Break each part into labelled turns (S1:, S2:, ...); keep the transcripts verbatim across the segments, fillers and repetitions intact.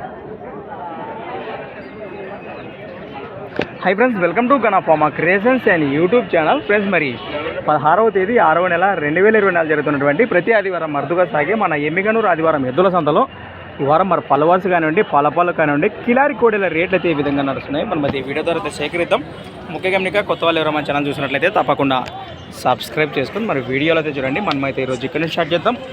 S1: High friends, welcome to Gana pharma creations and YouTube channel. Friends, మరి పదహారవ తేదీ ఆరవ నెల రెండు వేల ఇరవై నాలుగు జరుగుతున్నటువంటి ప్రతి ఆదివారం అరుదుగా సాగే మన ఎమ్మిగనూరు ఆదివారం ఎద్దుల సంతలో ఈ వారం మరి పల్లవర్స్ కానివ్వండి, పలపాలు కానివ్వండి, కిలారి కోడెల రేట్లు అయితే ఈ విధంగా నడుస్తున్నాయి. మనం అయితే ఈ వీడియో ద్వారా అయితే సేకరిద్దాం. ముఖ్య గమనిక కొత్త వాళ్ళు ఎవరో మన ఛానల్ చూసినట్లయితే తప్పకుండా సబ్స్క్రైబ్ చేసుకుని మరి వీడియోలో అయితే చూడండి. మనమైతే ఈరోజు ఇక్కడ నుంచి స్టార్ట్ చేద్దాం.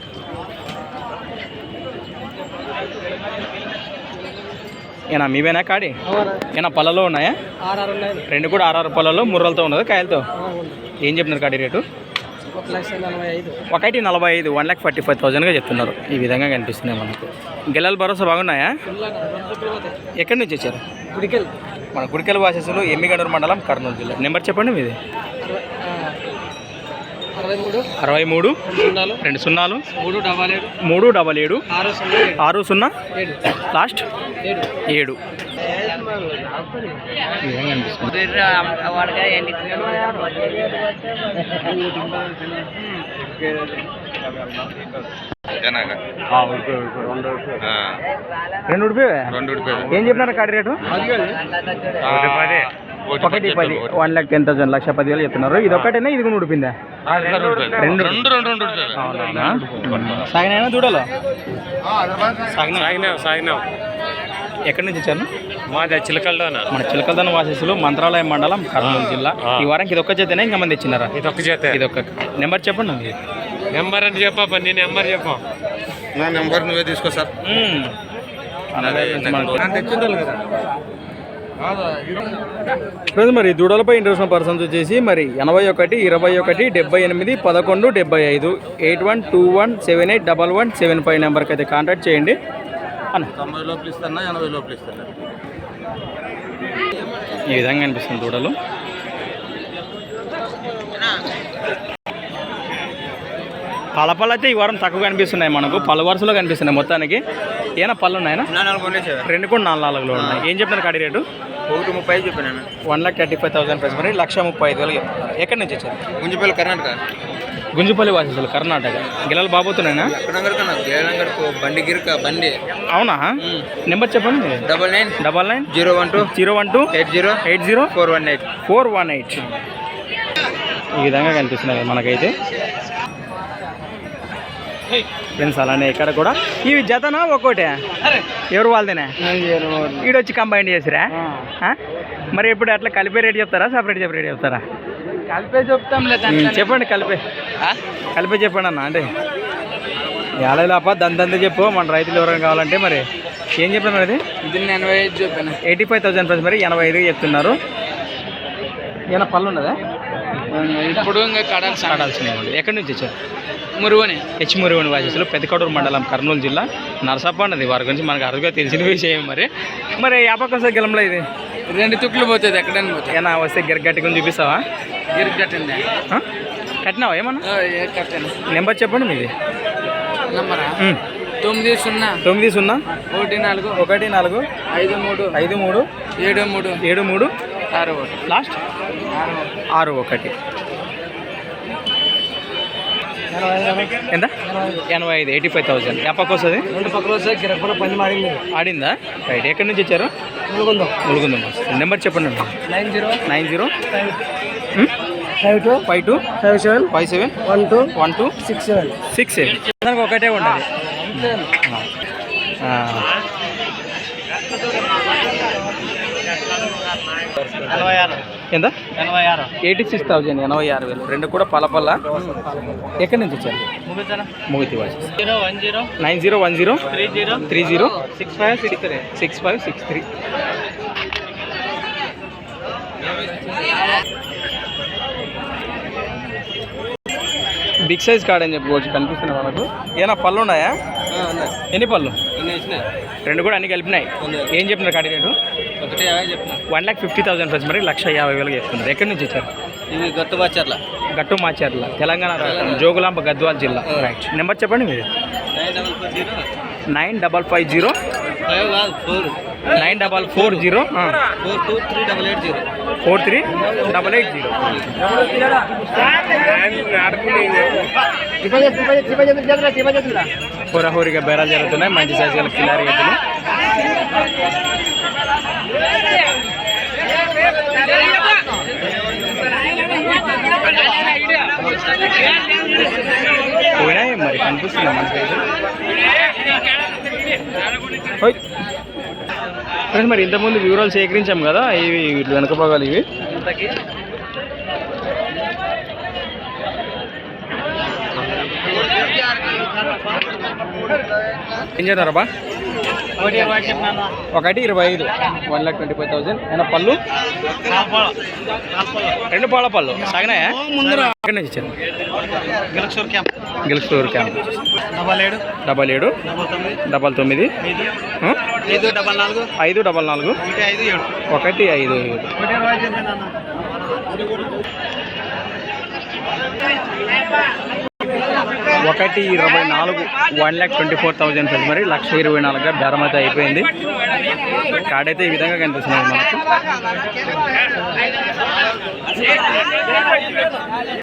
S1: ఏనా మీవేనా కాడి? ఏనా పళ్ళలో ఉన్నాయా? రెండు కూడా ఆర్ఆర్ పళ్ళలో ముర్రలతో ఉన్నది, కాయలతో. ఏం చెప్తున్నారు కాడి రేటు? ఒకటి నలభై ఐదు వన్ ల్యాక్ ఫార్టీ ఫైవ్ థౌసండ్గా చెప్తున్నారు. ఈ విధంగా కనిపిస్తున్నాయి మనకు. గెలల భరోసా బాగున్నాయా? ఎక్కడి నుంచి వచ్చారు? గుడికెల్. మన గుడికెల్ వాసెస్లో ఎమ్మిగనూరు మండలం, కర్నూలు జిల్లా. నెంబర్ చెప్పండి మీది. అరవై మూడు రెండు సున్నాలు మూడు డబల్ ఏడు ఆరు సున్నా లాస్ట్ ఏడు. రెండు ఏం చెప్పినారు కాడి రేటు? ఒకటి పది వన్ ల్యాక్ టెన్ థౌసండ్ లక్ష పదివేలు చెప్తున్నారు. ఇది ఒకటేనా? ఇది కూడా ఉడిపిందా? రెండు సాగినా చూడాలి. ఎక్కడి నుంచి వచ్చాను?
S2: మాది చిలకల్దాన.
S1: మన చిలకల్దాన వాసెస్లో మంత్రాలయం మండలం, కర్నూలు జిల్లా. ఈ వారానికి ఇది ఒక్క చేతనే, ఇంకా మంది ఇచ్చినారా?
S2: ఇది ఒక్క చేత.
S1: ఇది ఒక్క నెంబర్ చెప్పండి.
S2: నెంబర్ అంటే చెప్పా, నీ నెంబర్ చెప్పా.
S3: నా నెంబర్ నువ్వే తీసుకో సార్.
S1: మరి దూడలపై ఇంట్రెస్ట్ పర్సన్స్ వచ్చేసి మరి ఎనభై ఒకటి ఇరవై ఒకటి డెబ్బై ఎనిమిది పదకొండు డెబ్బై ఐదు eight one two one seven eight double one seven five నెంబర్కి అయితే కాంటాక్ట్ చేయండి. అన్న
S3: తొంభై లోపల ఇస్తాను, ఎనభై లోపల ఇస్తాను.
S1: ఈ విధంగా అనిపిస్తుంది దూడలు. పలపళ్ళు అయితే ఈ వారం తక్కువ కనిపిస్తున్నాయి మనకు. పలు వరుసలో కనిపిస్తున్నాయి మొత్తానికి. ఏమైనా పళ్ళు ఉన్నాయా? రెండు కూడా నాలుగు నాలుగులో ఉన్నాయి. ఏం చెప్తున్నారు కాడి రేటు?
S3: ఒకటి ముప్పై ఐదు చెప్పాను.
S1: One lakh thirty five thousand price మరి లక్ష ముప్పై ఐదు వేలు చెప్తున్నారు. ఎక్కడి నుంచి వచ్చారు?
S3: గుంజిపల్లి, కర్ణాటక.
S1: గుంజిపల్లి వాసేసారు, కర్ణాటక. గిల్లలు బాబోతున్నాయినా?
S3: బండి గిరిక బండి.
S1: అవునా? నెంబర్ చెప్పండి.
S3: Double nine
S1: double nine
S3: zero one two
S1: zero one two
S3: eight zero
S1: eight zero
S3: four one eight
S1: four one eight ఈ విధంగా కనిపిస్తున్నాయి మనకైతే. ఫ్రెండ్స్, అలానే ఇక్కడ కూడా ఇవి జతనా ఒక్కోటే? ఎవరు వాళ్ళదేనా? ఈడొచ్చి కంబైన్ చేసిరా? మరి ఇప్పుడు అట్లా కలిపే రేట్ చెప్తారా, సపరేట్ సపరేట్ చెప్తారా?
S2: కలిపే చెప్తాం.
S1: చెప్పండి, కలిపే కలిపే చెప్పండి అన్న. అంటే ఏడాది లోప దంతంతా చెప్పు, మన రైతులు ఎవరైనా కావాలంటే. మరి ఏం చెప్పాను? అది
S2: ఇది ఎనభై ఐదు చెప్పాను.
S1: ఎయిటీ ఫైవ్ థౌసండ్ ప్రైస్ మరి ఎనభై ఐదు చెప్తున్నారు. ఏమైనా పళ్ళు ఉన్నదా?
S2: ఇప్పుడు ఇంకా కడాల్సి
S1: కడాల్సిన. ఎక్కడి నుంచి వచ్చారు?
S2: మురువని.
S1: హెచ్ మురువని వాసెస్లో, పెద్దకడూరు మండలం, కర్నూలు జిల్లా. నరసప్ప అన్నది వారి గురించి మనకు అరుదుగా తెలిసిన విషయం. మరి మరి యాపకం సార్ గెలంలో ఇది
S2: రెండు తుక్కులు పోతుంది. ఎక్కడైనా పోతుంది.
S1: ఏనా వస్తే గిరగట్టి గురించి చూపిస్తావా?
S2: గిరికి కట్టింది.
S1: కట్టినావా ఏమన్నా?
S2: కట్టాను.
S1: నెంబర్ చెప్పండి మీది.
S2: నెంబరా? తొమ్మిది సున్నా
S1: తొమ్మిది సున్నా
S2: ఒకటి నాలుగు
S1: ఒకటి నాలుగు
S2: ఐదు మూడు
S1: ఐదు మూడు
S2: ఏడు మూడు
S1: ఏడు మూడు
S2: ఆరు ఒకటి
S1: లాస్ట్ ఆరు ఒకటి. ఎంత? ఎనభై ఐదు ఎయిటీ ఫైవ్ థౌసండ్. ఎప్పకి వస్తుంది?
S2: రెండు పక్కల వస్తాయి. గిరపల పని మాడింది.
S1: ఆడిందా? రైట్. ఎక్కడి నుంచి వచ్చారు?
S2: ములుగుందాం.
S1: ములుగుందాం. నెంబర్ చెప్పండి.
S2: Nine zero
S1: nine zero
S2: five two
S1: five two
S2: five seven
S1: five seven
S2: one two
S1: one two
S2: six seven
S1: six seven. దానికి ఒకటే ఉండాలి. ఎంత? ఎయిటీ సిక్స్ థౌజండ్ ఎనభై ఆరు వేలు. రెండు కూడా పలపల్ల. ఎక్కడి నుంచి వచ్చారు? ముగితి వాసి. Nine zero one zero three zero six five six three six five six three. Big size card అని చెప్పుకోవచ్చు. కనిపిస్తున్నాయి మనకు. ఏమైనా పళ్ళు ఉన్నాయా? ఎన్ని పళ్ళు? రెండు కూడా అన్ని కలిపినాయి. ఏం చెప్తున్నారు కాడి రేటు? One lakh fifty thousand plus మరి లక్ష యాభై వేలుగా చెప్తున్నారు. ఎక్కడి నుంచి వచ్చారు?
S3: ఇది గట్టు మాచర్ల.
S1: గట్టు మాచర్ల, తెలంగాణ రాష్ట్రం, జోగులాంబ గద్వాల్ జిల్లా. రైట్. నెంబర్ చెప్పండి మీరు. Nine double five zero nine double four zero
S3: four two three double eight zero
S1: four three double eight zero. హోరాహోరీగా బేరాలు జరుగుతున్నాయి. మంచి సైజుల కిలారి ఎద్దులు. పోయినాయి మరి కనిపిస్తుందా మనకి ఫ్రెండ్స్. మరి ఇంతకుముందు వివరాలు సేకరించాం కదా, ఇవి ఇట్లా వెనక భాగాలు ఇవి. ఏం చేస్తారబ్బా? ఒకటి ఇరవై ఐదు one lakh twenty five thousand. ఏమైనా పళ్ళు రెండు పాల పళ్ళు సాగినాయా? ఎక్కడి నుంచి ఇచ్చారు?
S2: Gelaksur camp
S1: Gelustur camp.
S2: Double ఏడు
S1: డబల్ ఏడు
S2: డబల్ తొమ్మిది
S1: డబల్ తొమ్మిది ఆ?
S2: ఐదు డబల్ నాలుగు
S1: ఐదు డబల్ నాలుగు
S2: ఒకటి ఐదు ఏడు
S1: ఒకటి ఐదు ఏడు.
S2: ఒకటి ఇరవై ఐదు నాన్న.
S1: ఒకటి ఇరవై నాలుగు one lakh twenty four thousand friends. మరి లక్ష ఇరవై నాలుగుగా బేరం అయితే అయిపోయింది. కార్డ్ అయితే ఈ విధంగా కనిపిస్తుంది మనకు.